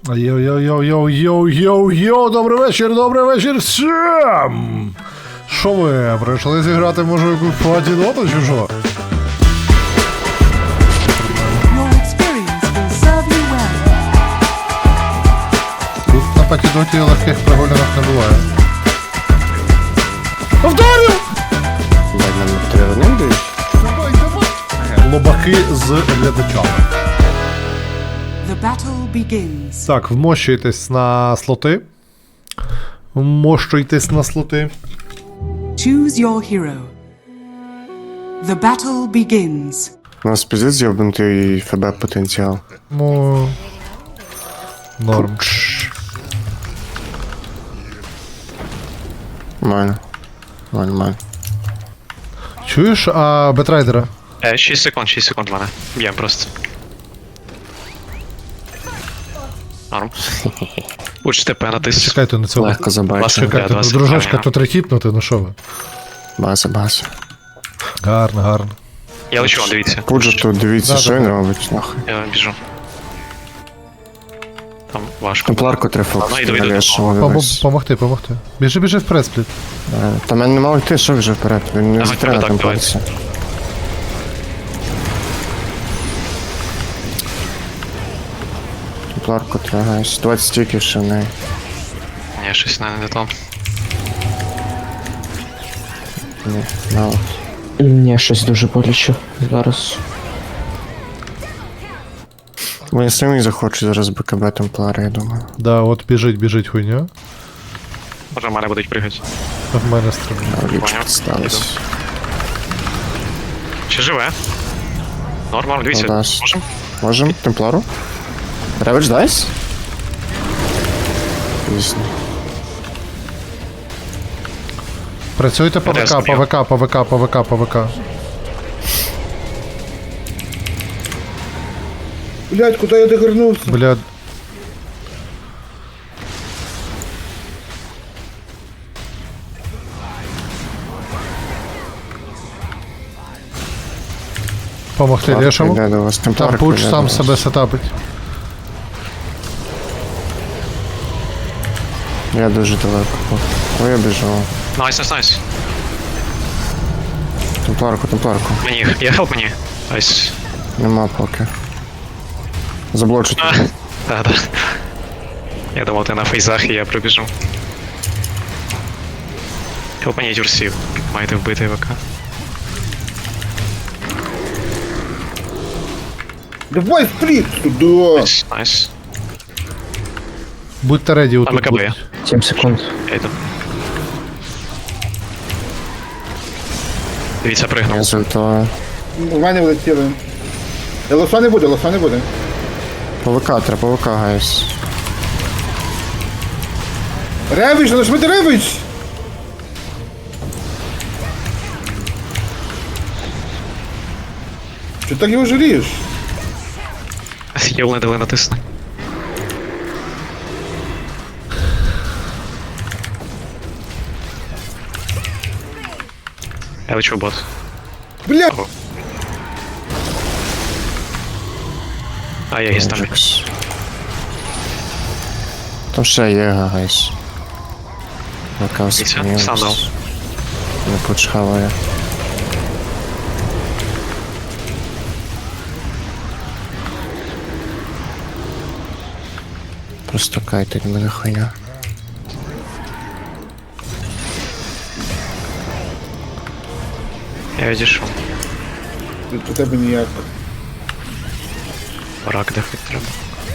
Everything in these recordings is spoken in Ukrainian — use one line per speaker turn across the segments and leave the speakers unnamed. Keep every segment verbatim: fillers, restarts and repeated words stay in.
Йоу-йоу-йоу-йоу-йоу-йоу, добрий вечір, добрий вечір всім! Що ви, прийшли зіграти, може, якусь платіноту чи що? Тут на патідоті легких прогулянок не буває. Повторю!
Ладно, ми три одним дають?
Давай, давай! Лобаки з глядачами.
The battle begins.
Так, вмощуйтесь на слоти. Вмощуйтесь на слоти.
Choose your hero. The battle begins.
У нас піздець з'єбнутий ФБ потенціал.
Ну... Норм.
Нормально. Нормально.
Чуєш, а Бетрайдера?
Е, шість секунд, шість секунд в мене. Б'єм просто. Норм. Уч ТП натис.
Чекайте на цього.
Легко забачив.
Ласка.
Чекайте,
два
ну,
секунди,
дружочка,
ага.
тут рехіпнути, ну що ви?
База, база.
Гарно, гарно.
Я лечу, вон, дивіться.
Пуджа тут, дивіться,
Да,
що
да,
він
да.
робить, нахуй.
Я біжу. Там важко.
Темпларку треба
Ну,
фокус.
йду, йду, йду.
Пом- Помогти, помогти. Біжи, біжи вперед, спліт.
Та мене нема ульти, що вже вперед, він не
Ага,
затримає
так,
там
давай.
пальця. Темпларку треба, гайс. двадцять стіків ще в неї.
Ні, щось не, не то.
Ні, на от.
Ні, щось дуже боляче зараз.
Вони самі захочуть зараз БКБ Темплара, я думаю.
Да, от біжить, біжить хуйня.
Може в мене будуть пригати.
В мене стрибне.
А ліпше
Поняв.
підсталися.
Чи живе? Норм, норм, дивіться.
Ну, да.
Можем?
Можем? Темплару? Реведж дайс? Звісно.
Працюйте по
Я
ВК,
зрозумів.
по ВК, по ВК, по ВК, по ВК.
Блять, куда я догорнулся?
Бля, помогти лешому.
Йде до вас.
Там
Темпларка
пуч
йде
сам
до вас.
себе сетапить.
Я дуже далеко. Ой, я біжу.
Найс, найс, найс.
Темпларку, темпларку.
Мені, я хелп мені. Найс.
Нема поки. Заблочу
А,
тут.
да, да. Я думав, ти на фейзах і я пробіжу. Хелп мені дюрсів. Маєте вбити ВК.
Давай сплит сюда!
Найс, найс.
Будьте реді
Там
отут.
ВКБ є.
будь.
сім секунд.
Я йду. Дивіться,
Я
пригнув.
зультую.
У мене влетіли. Я лоса не буде, лоса не буде.
По ВК, треба по ВК, гайс.
Ревич, нажмите ревич! Чого так його жалієш?
Єл не дали натисни. Я лечу в бот.
Бля!
А, я гіс там.
Джекс. Там ще є, гайс. ВК
Дивіться, сам дав.
Не почхаває. Просто кайтить мене хуйня.
Я відійшов.
До тебе ніяк.
Рак дефить треба.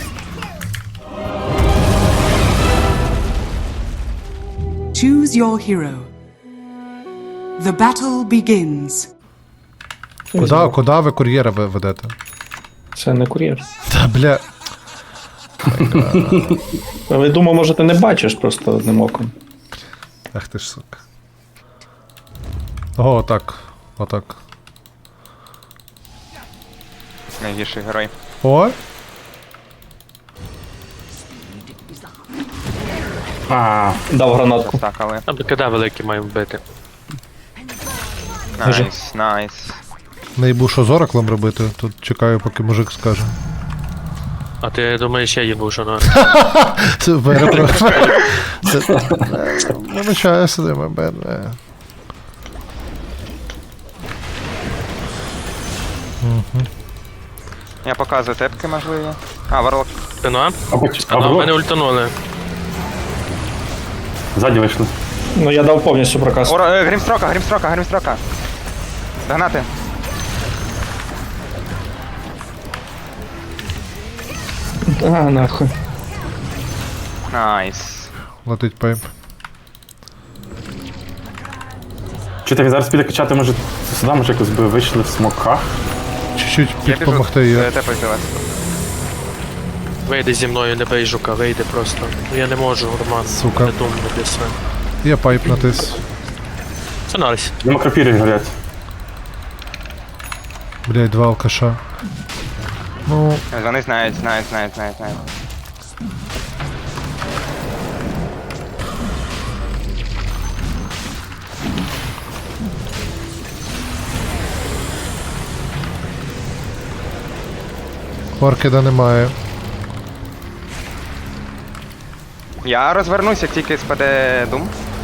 Choose your hero. The battle begins.
Куда, куда ви кур'єра ви ведете?
Це не кур'єр.
Та бля.
Я думаю, може ти не бачиш просто одним оком.
Ах ти ж сука. О, отак. Отак.
Найгірший герой.
О!
А, дав гранатку.
Стакали.
А БКД великий має вбити.
Найс, найс.
Не їбу, що з ораклом робити, тут чекаю, поки мужик скаже.
А ти думаєш, я їбу, що ну?
Це перепрошую. Це... е, Вибачаюся, де мене.
Я показую тепки можливі. А, варлок.
Ти ну?
А, поч- а
А в
було?
мене ультанули.
Ззаді вийшли.
Ну я дав повністю проказ.
Оро, е, грімстрока, грімстрока, грімстрока. Догнати.
А, нахуй.
Найс.
Летить пайп.
Чи ти зараз піде качати, може, сюди, може, якось би вийшли в смоках?
Чуть-чуть
Я біжу.
підпомогти є.
е, Тепай до вас.
Вийди зі мною, не бей жука, вийди просто. Я не можу, Роман.
Сука.
Не думаю, після.
Є пайп натис.
Це нарсь.
Нема крапіри горять.
Блять, два алкаша. Ну,
Вони знають, знають, знають, знають, знають.
оркіда немає.
Я розвернусь, як тільки спаде дум.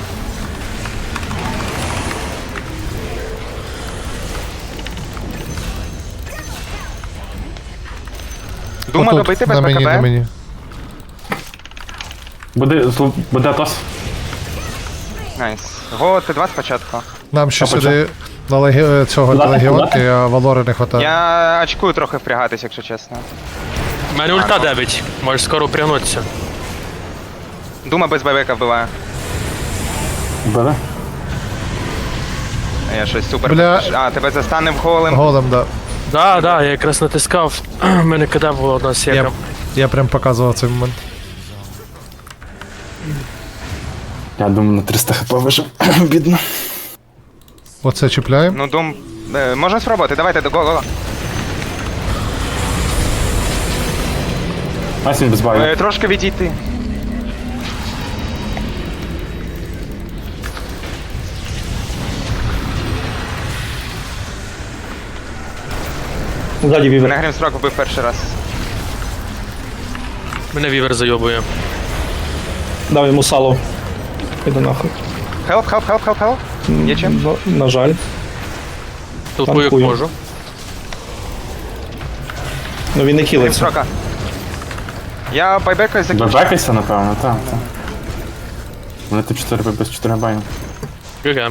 Дума
Отут,
добити без
на мені, на
БКБ.
мені.
Буде, зл- буде Атос.
Найс. Го, ти два спочатку.
Нам ще
А почав?
сюди на легі... цього
Куда?
легіонки, а Валори не хватає.
Я очкую трохи впрягатись, якщо чесно.
У мене ульта дев'ять. Можеш скоро пригнутися.
Дума без ББК вбиває.
Буде?
Я щось супер.
Бля.
А, тебе застанив голим.
Голем, да.
Да, да, я якраз натискав. У мене кида була одна
Я,
сєка.
я прям показував цей момент.
Я думаю, на триста хп вижив. Бідно.
Оце чіпляємо.
Ну, дум. Е, можна спробувати, давайте до го-го.
Найс він без баю.
Е, трошки відійти.
Ззаді вівер.
Мене Грімстрок вбив перший раз.
Мене вівер зайобує.
Дав йому сало. Іду нахуй.
Хелп, хелп, хелп, хелп, хелп. Є чим?
Ну, на жаль.
Толпую як
Танкую.
можу.
Ну він не хілиться.
Грімстрока. Я байбекаюсь закінчу.
Бебекайся, напевно, так, так. Вони тут чотири без чотири баю.
ГГ.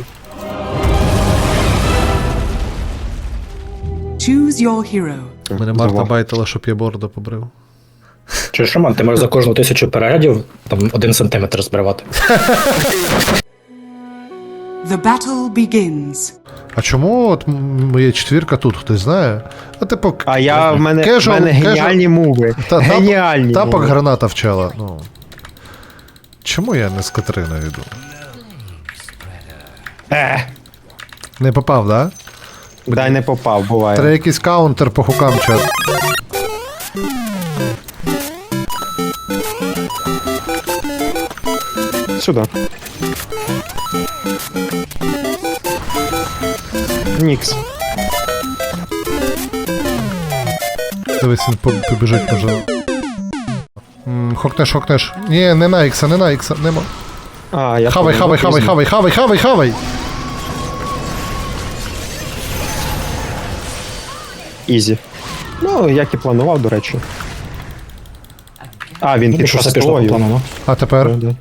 Choose your hero.
Мене Марта байтила, щоб я бороду побрив.
Чуєш, Роман, ти можеш за кожну тисячу переглядів там один сантиметр збривати.
The battle begins.
А чому от м- моя четвірка тут, хтось знає? А типу,
А я в мене, в
casual-
мене геніальні муви.
Та, тап-
Геніальні
Тапок
муви.
граната вчала. Ну. Чому я не з Катерина йду?
Е,
Не попав, да?
дай не попав, буває.
Треба якийсь каунтер по хукам чат.
Сюди. Нікс.
Дивись, він по- побіжить, може. М, Хокнеш, хокнеш. Ні, не на ікса, не на ікса, нема.
А, я
Хавай,
понял,
хавай,
ну,
хавай,
пізно.
хавай, хавай, хавай, хавай!
Ізі. Ну, як і планував, до речі. А, він під
Пішло, пішло по
шостою.
плану, ну.
А тепер?
Да.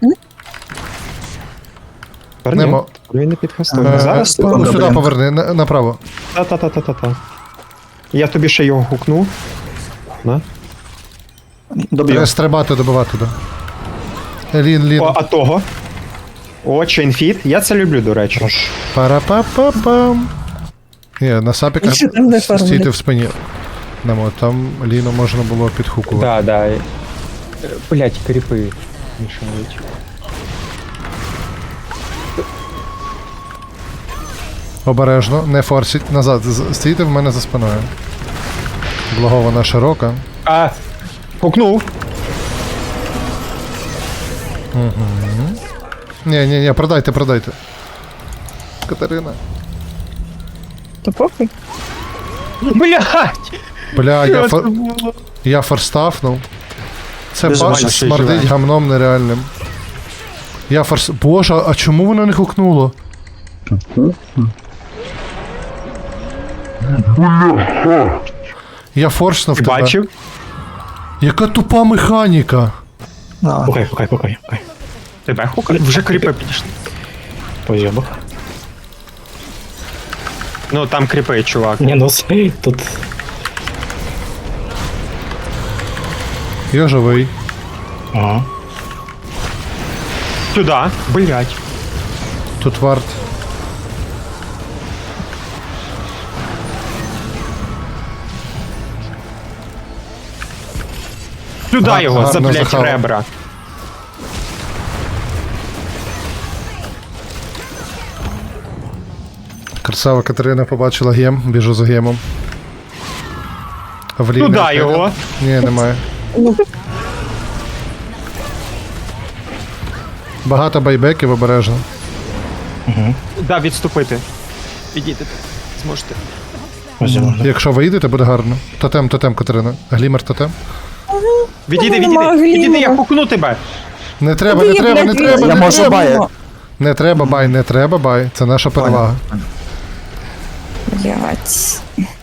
Тепер
Нема.
ні, Він не під хостою.
Е,
Зараз?
е, ну, сюди поверни, на- направо.
Та-та-та-та-та. Я тобі ще його гукну. На.
Доб'ю.
Треба стрибати, добивати, да. Е, Лін, лін.
О, а того. О, чейнфіт. Я це люблю, до речі.
Пара-па-па-пам. Ні, на сапіка стійте в спині. Немо, там Ліну можна було підхукувати.
Да, да. Блять, кріпи мішають.
Обережно, не форсіть. Назад, з- стійте в мене за спиною. Благована широка.
А, гукнув.
Ні, ні, ні, продайте, продайте. Катерина.
Та похуй. Блять!
Бля, я, фор... я форстафнув. Це
Дуже
баш
важко, що й
смердить
живе.
гамном нереальним. Я форс... Боже, а чому воно не хукнуло? Я форснув
Ти
тебе.
бачив?
Яка тупа механіка.
Пукай, пукай, пукай, пукай.
Тебе хукали? Вже кріпи підійшли.
Позйобок.
Ну там кріпи, чувак.
Ні, ну с- тут
Я живий.
ага.
Сюди. Блять.
Тут варт.
Сюди
Га-
його, за
гарно
блять
захавав.
ребра.
Красава Катерина побачила гем, біжу за гемом. В лінію
Туди
піде.
його.
Ні, немає. Багато байбеків обережно.
Да, відступити. Підійдете. Зможете.
Позйобок.
Якщо вийдете, буде гарно. Тотем, тотем, Катерина. Глімер тотем.
Відійди, відійди. Відійди, я хукну тебе.
Не треба, не треба, не треба,
Я
не
можу
треба.
бай.
Не треба бай, не треба бай. Це наша перевага.
Блять.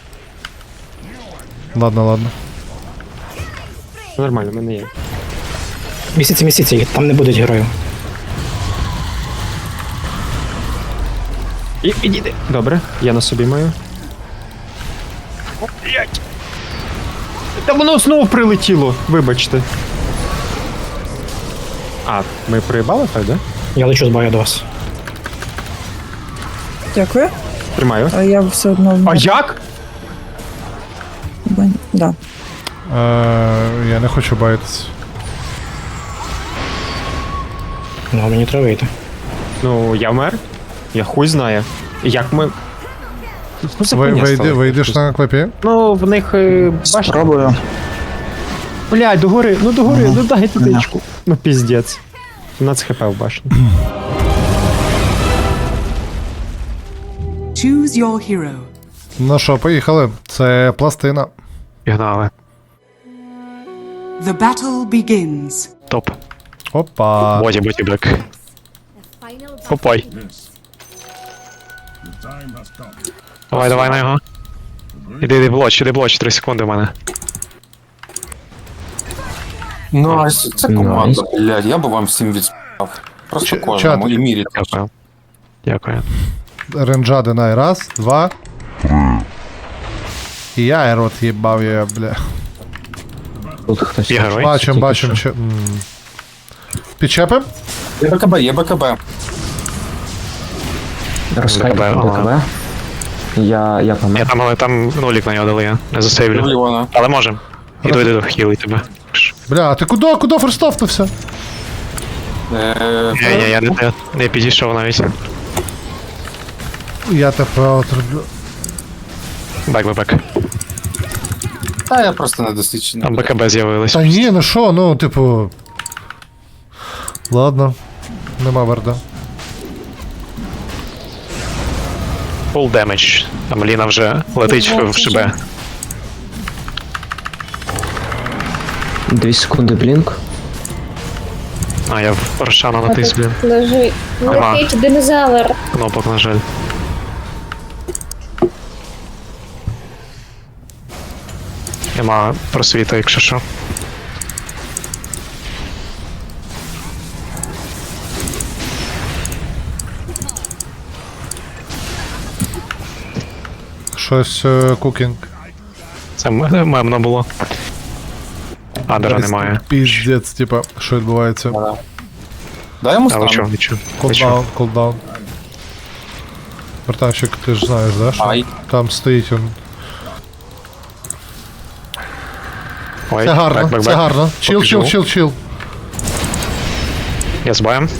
Ладно, ладно.
Нормально, в мене є.
Місяці, місяці, там не будуть героїв.
І підійди. Добре, я на собі маю. О, блять. Та воно знову прилетіло, вибачте. А, ми проїбали так, да?
Я лечу з баю до вас.
Дякую.
Тримаю.
А я все одно.
А як?
Бань- Да.
Е, я не хочу байтись.
Ну, мені треба вийти.
Ну, я вмер. Я хуй знає. Як ми. Ну, це
Ви,
хуйня
вийди,
стала.
вийдеш на клепі?
Ну, в них е, башня.
Спробую.
Блядь, догори, ну догори, ну дай тутечку. Ну піздець. сімнадцять хп в башні.
Choose your hero.
Ну що, поїхали. Це пластина.
Пігнали.
The battle begins.
Топ.
Опа.
Боді, боді, бек. Попай. Давай, давай на його. Іди, іди блоч, іди блоч, три секунди в мене.
Найс, це команда, блядь, я би вам всім відспав. Просто
Ч-
кожному
чат.
і мірі.
Дякую. Дякую.
Ренджа Динай. Раз, два. І я і рот їбав я, бля.
Є герой.
Бачим, бачим. Че... м. Підчепим?
Є БКБ, є БКБ.
БКБ, ага.
Я, я помер.
Я там, але там нулік на нього дали, я не засейвлю.
Лівона.
Але можем. Іду, іду, іду, хілий тебе.
Бля, а ти куди, куди форстовнувся?
Е,
Ні, ні, я не, не, не підійшов навіть.
Я тебе отроблю.
Бек, бек, бек.
Та я просто недосвідчений.
Там БКБ з'явилось.
Та ні, ну що, ну, типу. Ладно. Нема варда.
Full damage. Там Ліна вже летить в, в шибе.
Дві секунди блінк.
А, я в Рошана натис, блін.
Лежи.
Нема.
Летить динозавр.
Кнопок, на жаль. Нема просвіту, якщо що.
Щось е, кукінг.
Це м- мемно було. Адера немає.
Піздець, типа, що відбувається.
Дай йому
А ви чого,
стану.
нічого. Ви чого?
Кулдаун, кулдаун. Братанчик, ти ж знаєш, да? Що
Ай.
там стоїть він.
Ой,
Це гарно,
бек, бек,
це
бек.
гарно. Чил,
Поки
чил,
живу.
чил, чил.
Я з боєм.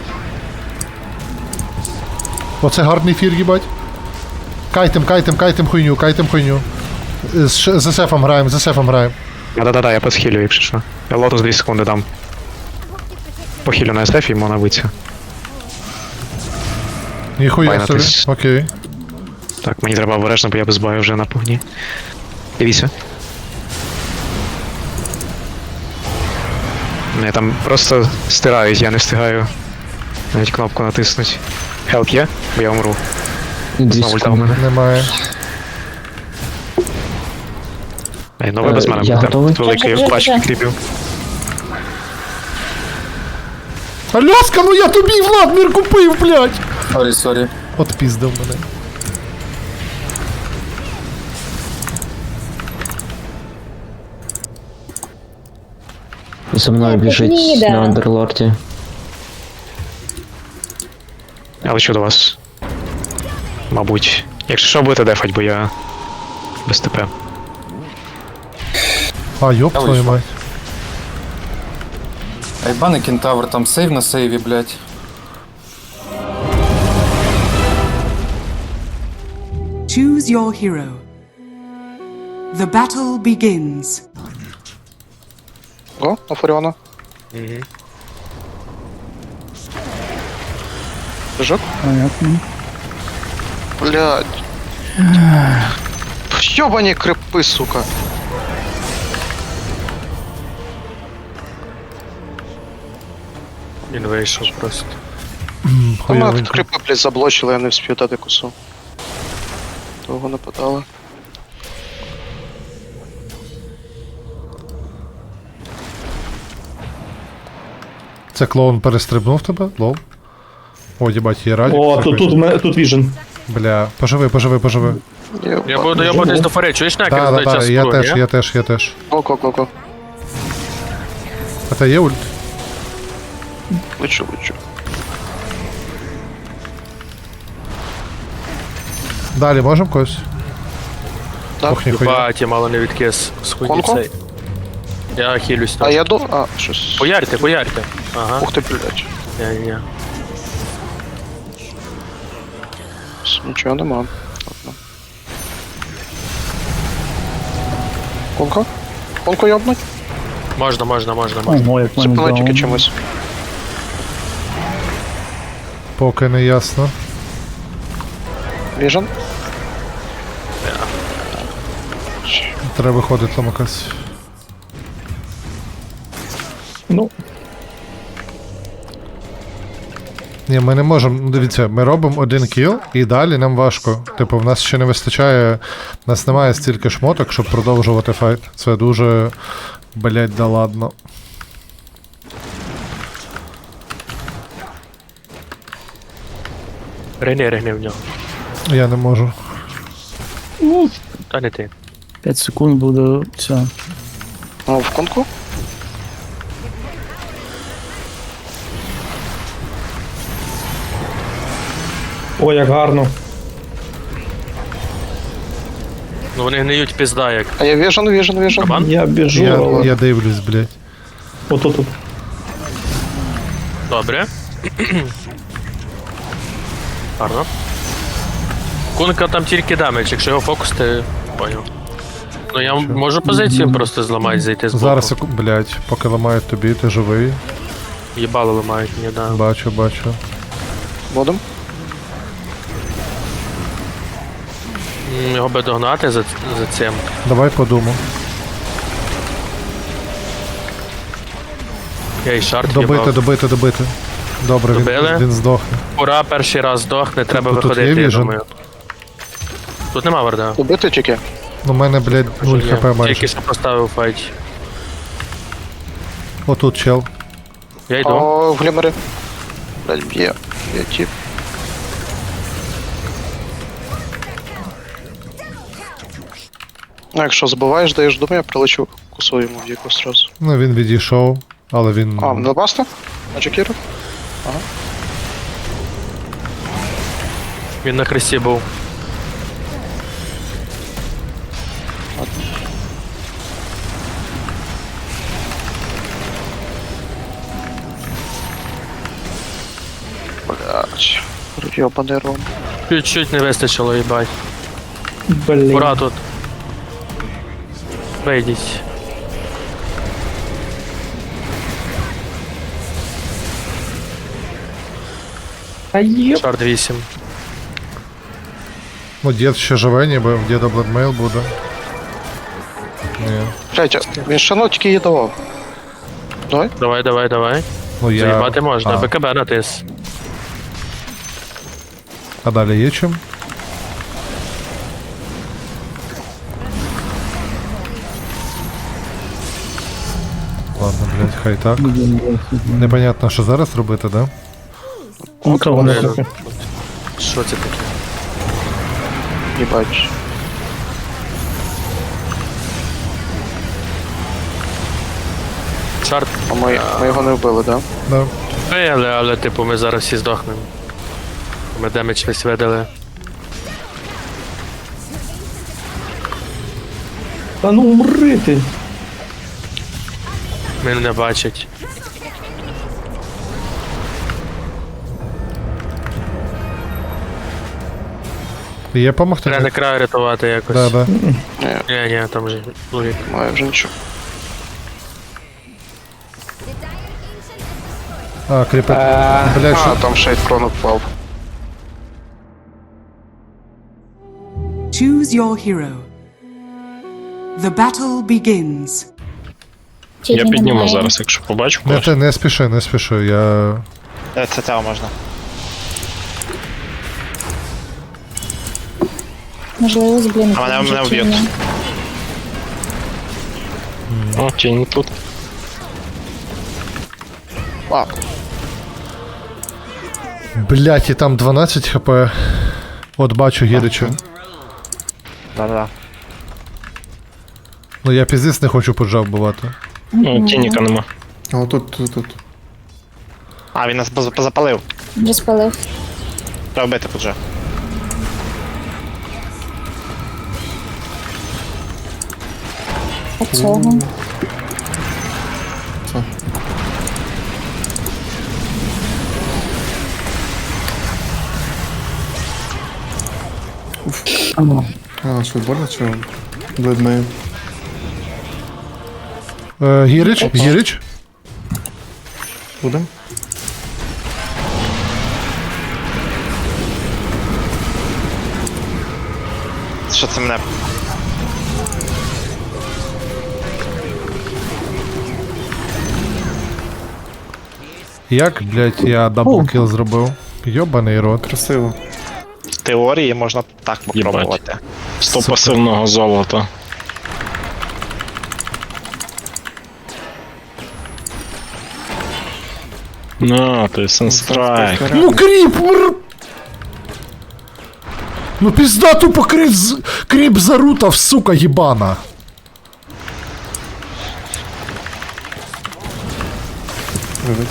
Оце гарний фір, їбать. Кайтем, кайтем, кайтем хуйню, кайтем хуйню. З, ш- з есефом граємо, з есефом граємо.
Да-да-да, я посхилю, якщо що. Я лотус дві секунди дам. Похилю на ес еф і йому набиться.
Ніхуя собі.
Байнатись.
Окей.
Так, мені треба обережно, бо я без бою вже на повні. Дивіться. Мене там просто стирають, я не встигаю навіть кнопку натиснути. Хелп є? Бо я умру.
Дві
Знову ульта в
секунди.
мене.
Немає.
Ей, ну ви без
Е,
мене
я
будете.
готовий.
Тут великий плач підкріпів.
Аляска, ну я тобі Владмір купив, блядь!
Сорі, сорі.
От піздив мене.
За мною біжить на Андерлорді.
Я лечу до вас. Мабуть. Якщо що, будете дефать, бо я без ТП.
А, йоп
Я
твою
вийшов.
мать.
Айбани кентавр, там сейв на сейві, блядь.
Choose your hero. The battle begins.
Го, на Фуріона. Прыжок.
Понятно.
Блядь. Ёбані крипи, сука.
Він вийшов просто.
Вона тут
Хуйовенько.
крипи, блядь, заблочили, я не вспів дати косу. Довго нападали.
Це клоун перестрибнув тебе? Лол. О, їбать, є радік.
О, тут, тут, ме- тут віжен.
Бля, поживи, поживи, поживи.
Я буду я буду десь до фари, чуєш накер
Так,
здай
так,
час
так, я
скру,
теж,
ні?
я теж, я теж.
Го, го, го, го.
А те є ульт?
Лечу, лечу.
Далі можемо когось?
Так.
Ох, ніхуя.
Бать, я мало не відкис з хуйні
Конко?
цей. Я хилюсь
А
там.
я до... А, щось...
Поярте, поярте. Ага.
Ух ти, блядь.
Ні-ні.
Нічого нема. Ладно. Конко? Конко йобнуть?
Можна, можна, можна, можна.
Ого, як мене
Зупинить тільки
дало.
чимось.
Поки не ясно.
Віжен?
Треба виходити ламакась.
Ну,
Ні, ми не можемо. Ну, дивіться, ми робимо один кіл і далі нам важко. Типу, в нас ще не вистачає. В нас немає стільки шмоток, щоб продовжувати файт. Це дуже. Блять, да ладно.
Регни, регни в нього.
Я не можу.
Та не ти.
п'ять секунд буде все.
А, в конку?
О, як гарно.
Ну вони гниють пізда як.
А я віжен, віжен, віжен.
Кабан?
Я біжу,
Я,
але...
я дивлюсь, блять.
Ото тут.
Добре. Гарно. Кунка там тільки дамедж, якщо його фокус, ти поняв. Ну я можу позицію просто зламати, зайти з боку.
Зараз, секу- блять, поки ламають тобі, ти живий.
Їбало ламають мені, да.
Бачу, бачу.
Будем?
М, Його би догнати за, за цим.
Давай подумав.
Я і шарт
Добити,
їбав.
добити, добити. Добре, він,
Добили?
він здохне.
Ура, перший раз здохне, треба
Тут- тут
виходити,
є
я
віжен?
думаю. Тут нема варда.
Убити тільки?
У мене, блядь, нуль
Ні,
хп майже.
Тільки що поставив файт.
Отут чел.
Я йду.
О, в глімері. Блядь, б'є. Б'є тіп. Ну, якщо забуваєш, даєш думаю, я прилечу косу йому в якусь сразу.
Ну він відійшов, але він.
А, на баста? На Джекіру?
Він на хресті був.
Блядь. Йобаний ром.
Чуть-чуть не вистачило, їбать.
Блін.
Ура тут. Вийдіть.
А є.
Шарт вісім.
Ну, дід ще живе, ніби в діда бладмейл буде. Ні.
Блядь, він ще ну тільки її давав. Давай.
Давай, давай, давай.
Ну я.
Заїбати можна,
А,
БКБ натис.
а далі є чим? Ладно, блядь, хай так. Непонятно, що зараз робити, да?
Ну, то воно таке.
Що це таке?
Їбать.
Чарт.
А ми, ми його не вбили, да?
Да.
Ей, але, але, типу, ми зараз всі здохнемо. Ми демедж весь видали.
Та ну умри ти.
Мене не бачать.
Є помогти?
Треба не краю рятувати якось.
Да, да.
Ні,
Ні, ні, там же логіка.
немає вже нічого.
А, кріпер. Блядь,
А,
що?
там шейд крон впав.
Choose your hero. The battle begins.
Я підніму зараз.
якщо побачу.
Не, ти не спіши, не спіши, я...
Це цього можна.
Можливо, з блін.
А мене- мене вб'ють.
О, тінь тут.
А,
Блядь, і там дванадцять хп. От бачу Гірича.
Да-да-да.
Ну я піздець не хочу поджав бувати.
Ну, тініка нема.
А отут, тут, тут.
А, він нас поз- позапалив.
Вже спалив.
Треба вбити тут же.
А цього.
А, що больно, чи бледмею?
Е, Гірич, Гірич.
Будем?
Що це мене?
Як, блядь, я даблкіл зробив? Йобаний рот.
Красиво.
В теорії можна так попробувати.
Сто пасивного золота. Ну, ти сенстрайк.
Ну кріп! мр- Ну пізда тупо кріп, з- кріп зарутав, сука, їбана.
Вивить.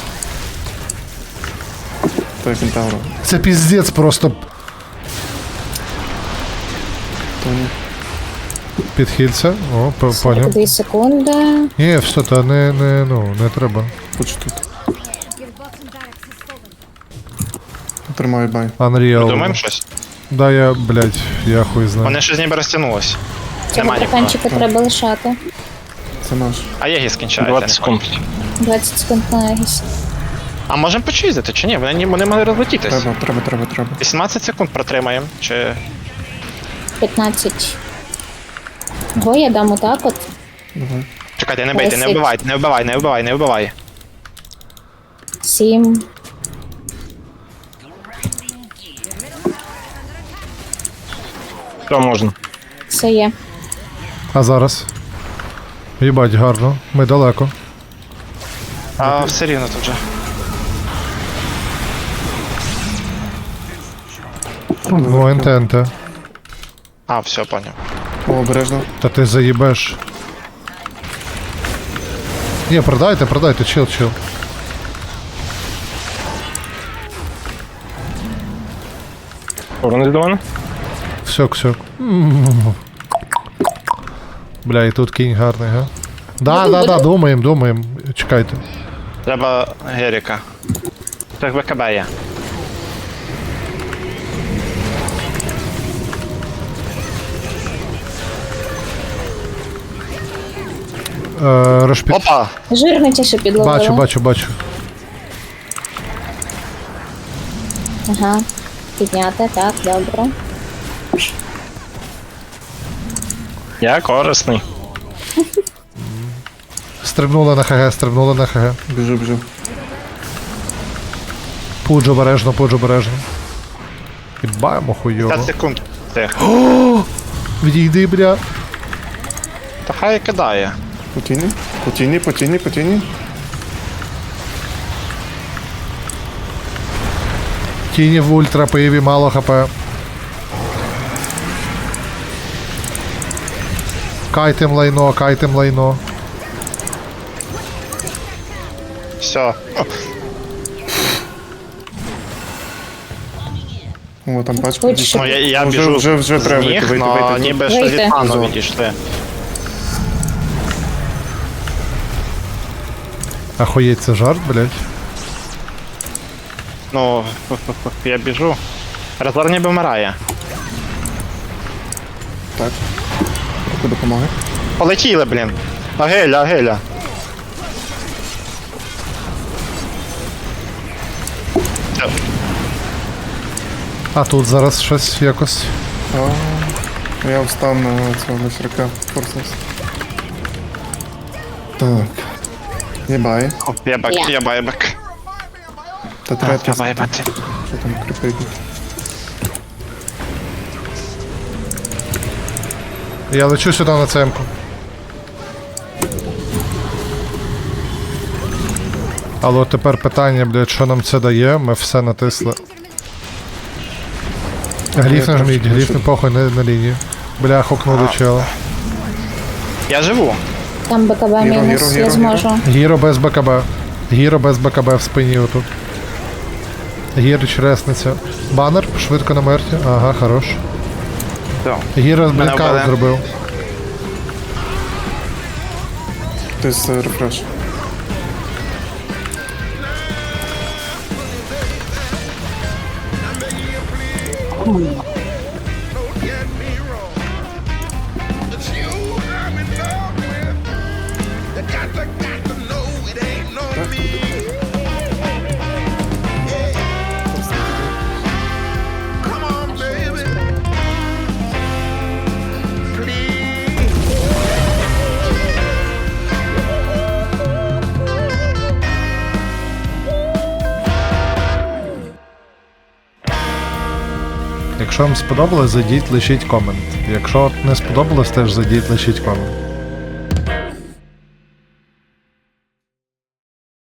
Той кентавра.
Це піздець просто.
Тоні.
Підхильця. О, по- поняв.
Дві секунди.
Ні, все, та не, не, ну, не треба.
Хоч тут. Тримай бай.
Unreal.
Думаємо щось?
Да, я, блядь, я хуй знаю.
Вони щось ніби розтягнулось.
Цього
Нема нікого.
проканчика треба лишати.
Це наш.
А Єгі скінчається.
двадцять секунд.
двадцять секунд на Егіс.
А можемо почизити, чи ні? Вони, ні- вони могли розлетітись.
Треба, треба, треба, треба.
вісімнадцять секунд протримаємо, чи...
п'ятнадцять. Го я дам отак от.
Давай.
Чекайте, не бийте, не
Десять.
вбивайте, не вбивай, не вбивай, не вбивай.
Сім.
Що можна?
Все є.
А зараз? Їбать, гарно. Ми далеко.
А все рівно тут же.
Ну, енте, енте.
А, все, поняв.
О, обережно.
Та ти заїбеш. Ні, продайте, продайте, чил, чил.
Повернись до мене?
Всьок, всьок. Бля, і тут кінь гарний, га? Да, да, да, думаємо, думаємо. Чекайте.
Треба Геріка. Так БКБ є.
Е, розпід...
Опа!
Жирничіше підловила.
Бачу, бачу, бачу.
Ага. Підняти, так, добре.
Я корисний.
Стрибнули на ХГ, стрибнули на ХГ.
Біжу, біжу.
Пудж обережно, пудж обережно. Підбаємо хуйово.
секунд.
Відійди, бля.
Та хай кидає.
Потіні, потіні, потіні, потіні.
Тіні в ультра, пиві, мало хп. Кайтем лайно, кайтем лайно.
Все.
О, там бачу.
Будь що.
Ну, я, я
Вже-
біжу
вже- вже
з
треба
ніг,
вийти, вийти,
но
вийти.
ніби що
Вийти.
від пану відійшли.
Ахуєть, це жарт, блядь.
Ну, я біжу. Разор ніби вмирає.
Яку допомоги?
Полетіли, блін. Агеля, агеля.
А тут зараз щось якось.
Я встав на цього лишрака. Форсес. Так. Єбай.
Єбак,
Я.
єба, єбак.
Та третя.
Єба, єбати.
Що там кріпить?
Я лечу сюди на цемку. Але от тепер питання, блядь, що нам це дає? Ми все натисли. Гліф нажміть, гліф не похуй, не на лінію. Бля, хокнули чела.
Я живу.
Там БКБ
Гіро,
мінус,
гіро,
я
гіро,
зможу.
Гіро без БКБ. Гіро без БКБ в спині отут. Гірич ресниця. Банер, швидко на мерті. Ага, хорош. Гіро з
Мене
блінкаут
вбили.
зробив.
Хтось е, рефреш.
Якщо вам сподобалось, зайдіть, лишіть комент. Якщо не сподобалось, теж зайдіть, лишіть комент.